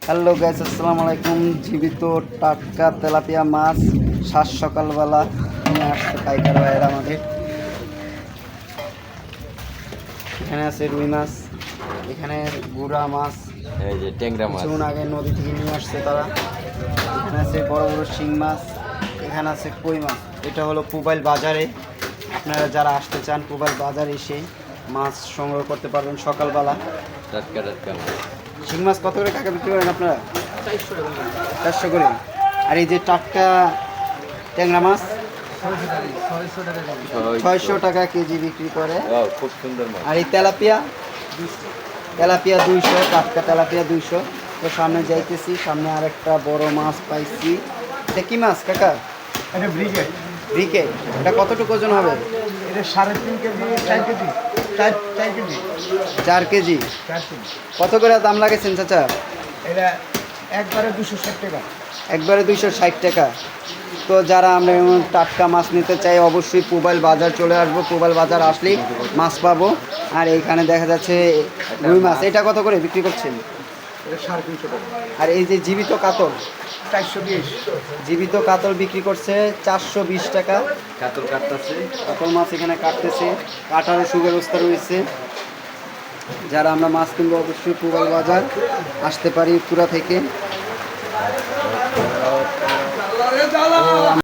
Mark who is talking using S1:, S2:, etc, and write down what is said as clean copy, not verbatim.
S1: Hello guys, আসসালামু আলাইকুম। জীবিত টাটকা তেলাপিয়া মাছ সাত সকালবেলা নিয়ে আসছে পাইকার ভাইয়েরা আমাদের। এখানে আছে রুই মাছ, এখানে গুড়া মাছ,
S2: এই যে ট্যাংরা মাছ
S1: কিছুক্ষণ আগে নদী থেকে নিয়ে আসছে তারা। এখানে আছে বড় বড় শিং মাছ, এখানে আছে কই মাছ। এটা হলো পুবাইল বাজারে। আপনারা যারা আসতে চান পুবাইল বাজারে এসে মাছ সংগ্রহ করতে পারবেন সকালবেলা।
S2: টাটকা টাটকা মাছ।
S1: শিং মাছ কত করে টাকা বিক্রি করেন আপনারা? 400 করে। আর এই যে টাটকা ট্যাংরা মাছ 600 টাকা কেজি বিক্রি করে।
S2: খুব সুন্দর মাছ।
S1: আর এই তেলাপিয়া 200, টাটকা তেলাপিয়া 200। তো সামনে যাইতেছি, সামনে আরেকটা বড় মাছ পাইছি। এটা কি মাছ কাকা?
S3: এটা ব্রিগেড।
S1: ব্রিকেট। এটা কতটুকু ওজন হবে?
S3: এটা 3.5 KG 4 KG 4 KG
S1: 4 KG.
S3: 4 KG.
S1: কত করে দাম লাগেছেন চাচা?
S3: এটা একবারে 260 টাকা।
S1: একবারে 260 টাকা। তো যারা আমরা এমন টাটকা মাছ নিতে চাই অবশ্যই পুবাইল বাজার চলে আসবো। পুবাইল বাজার আসলেই মাছ পাবো। আর এইখানে দেখা যাচ্ছে রুই মাছ, এটা কত করে বিক্রি করছেন?
S3: এটা 350 টাকা।
S1: আর এই যে জীবিত কাতল,
S3: 420।
S1: জীবিত কাতল বিক্রি করছে 420 টাকা।
S2: কাতল কাটতেছে।
S1: কাতল মাছ এখানে কাটতেছে, কাটারও সুব্যবস্থা রয়েছে। যারা আমরা মাছ কিনবো অবশ্যই পুবাইল বাজার আসতে পারি পুরা থেকে।